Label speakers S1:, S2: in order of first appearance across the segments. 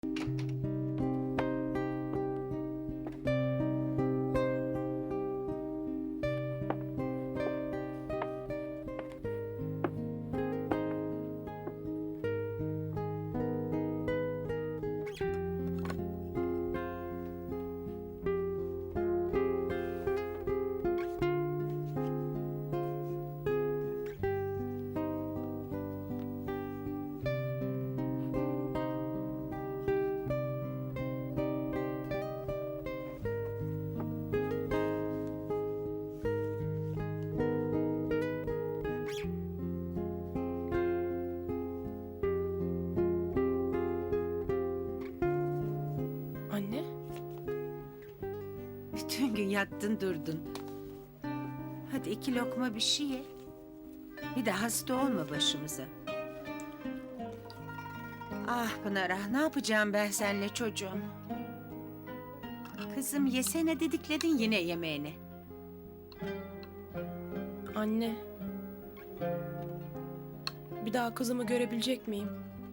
S1: Anne?
S2: Bütün gün yattın durdun. Hadi 2 lokma bir şey ye. Bir de hasta olma başımıza. Ah Pınar ah, ne yapacağım ben seninle çocuğum? Kızım yesene dedikledin yine yemeğini.
S1: Anne. Bir daha kızımı görebilecek miyim?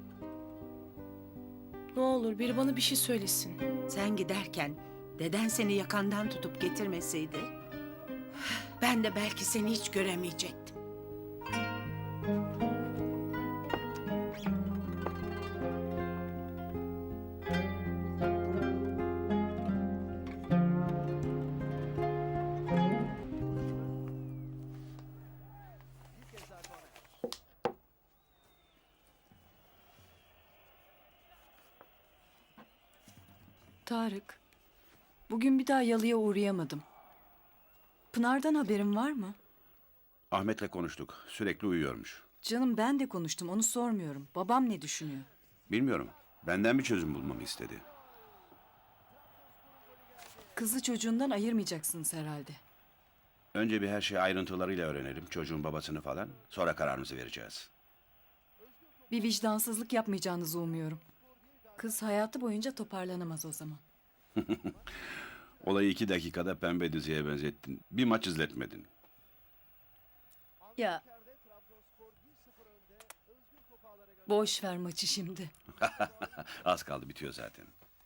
S1: Ne olur biri bana bir şey söylesin.
S2: Sen giderken deden seni yakandan tutup getirmeseydi... ...ben de belki seni hiç göremeyecektim.
S3: Tarık, bugün bir daha yalıya uğrayamadım. Pınar'dan haberin var mı?
S4: Ahmet'le konuştuk. Sürekli uyuyormuş.
S3: Canım ben de konuştum, onu sormuyorum. Babam ne düşünüyor?
S4: Bilmiyorum. Benden bir çözüm bulmamı istedi.
S3: Kızı çocuğundan ayırmayacaksınız herhalde.
S4: Önce bir her şeyi ayrıntılarıyla öğrenelim. Çocuğun babasını falan. Sonra kararımızı vereceğiz.
S3: Bir vicdansızlık yapmayacağınızı umuyorum. Kız hayatı boyunca toparlanamaz o zaman.
S4: Olayı 2 dakikada pembe diziye benzettin. Bir maç izletmedin.
S3: Ya. Boş ver maçı şimdi.
S4: Az kaldı, bitiyor zaten.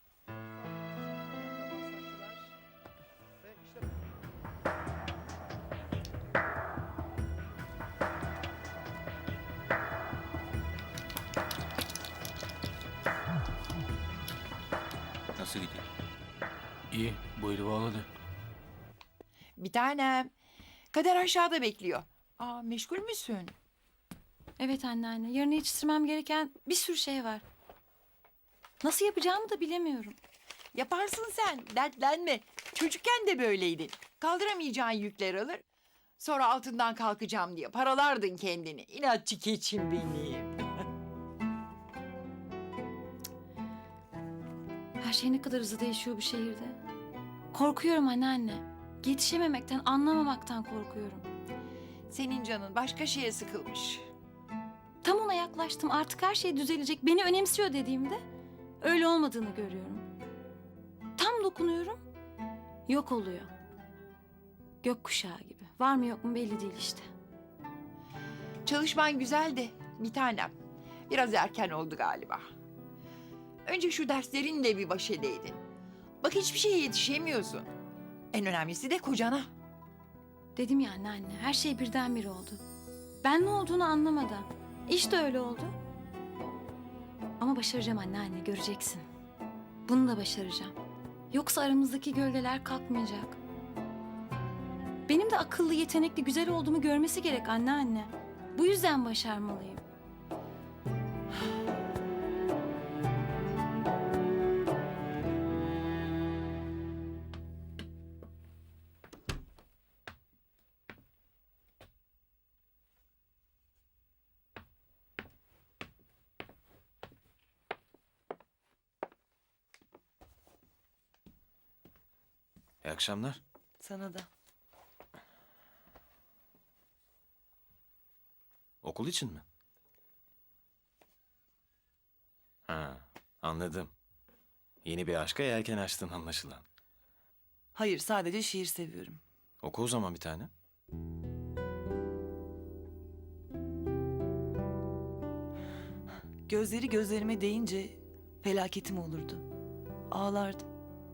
S5: Nasıl gidiyor? İyi, bu eli bağladı.
S6: Bir tanem. Kader aşağıda bekliyor. Aa, meşgul müsün?
S7: Evet anneanne. Yarın yetiştirmem gereken bir sürü şey var. Nasıl yapacağımı da bilemiyorum.
S6: Yaparsın sen. Dertlenme. Çocukken de böyleydin. Kaldıramayacağın yükler alır. Sonra altından kalkacağım diye paralardın kendini. İnatçı keçim benim.
S7: Her şey ne kadar hızlı değişiyor bu şehirde. Korkuyorum anneanne. Yetişememekten, anlamamaktan korkuyorum.
S6: Senin canın başka şeye sıkılmış.
S7: Tam ona yaklaştım. Artık her şey düzelecek. Beni önemsiyor dediğimde öyle olmadığını görüyorum. Tam dokunuyorum. Yok oluyor. Gökkuşağı gibi. Var mı yok mu belli değil işte.
S6: Çalışman güzel de bir tanem. Biraz erken oldu galiba. Önce şu derslerinle bir baş edeydin. Bak hiçbir şeye yetişemiyorsun. En önemlisi de kocana.
S7: Dedim ya anneanne. Her şey birdenbire oldu. Ben ne olduğunu anlamadan. İşte öyle oldu. Ama başaracağım anneanne. Göreceksin. Bunu da başaracağım. Yoksa aramızdaki gölgeler kalkmayacak. Benim de akıllı, yetenekli, güzel olduğumu görmesi gerek anneanne. Bu yüzden başarmalıyım.
S5: İyi akşamlar.
S3: Sana da.
S5: Okul için mi? Ha, anladım. Yeni bir aşka yelken açtın anlaşılan.
S8: Hayır, sadece şiir seviyorum.
S5: Oku o zaman bir tane.
S8: Gözleri gözlerime değince Felaketim olurdu. Ağlardım.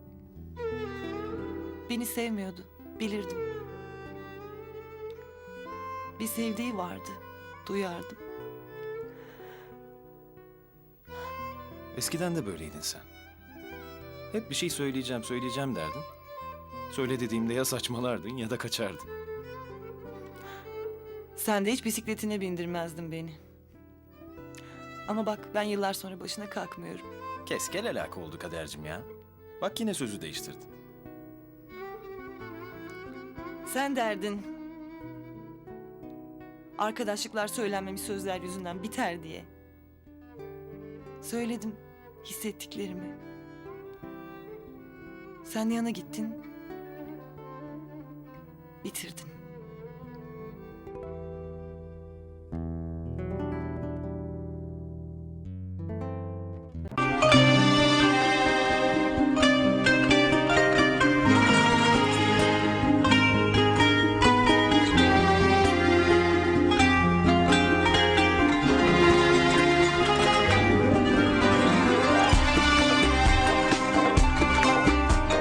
S8: Beni sevmiyordu. Bilirdim. Bir sevdiği vardı. Duyardım.
S5: Eskiden de böyleydin sen. Hep bir şey söyleyeceğim derdin. Söyle dediğimde ya saçmalardın ya da kaçardın.
S8: Sen de hiç bisikletine bindirmezdin beni. Ama bak ben yıllar sonra başına kalkmıyorum.
S5: Kes gel alaka oldu Kadercim ya. Bak yine sözü değiştirdin.
S8: Sen derdin. Arkadaşlıklar söylenmemiş sözler yüzünden biter diye. Söyledim hissettiklerimi. Sen yana gittin. Bitirdin.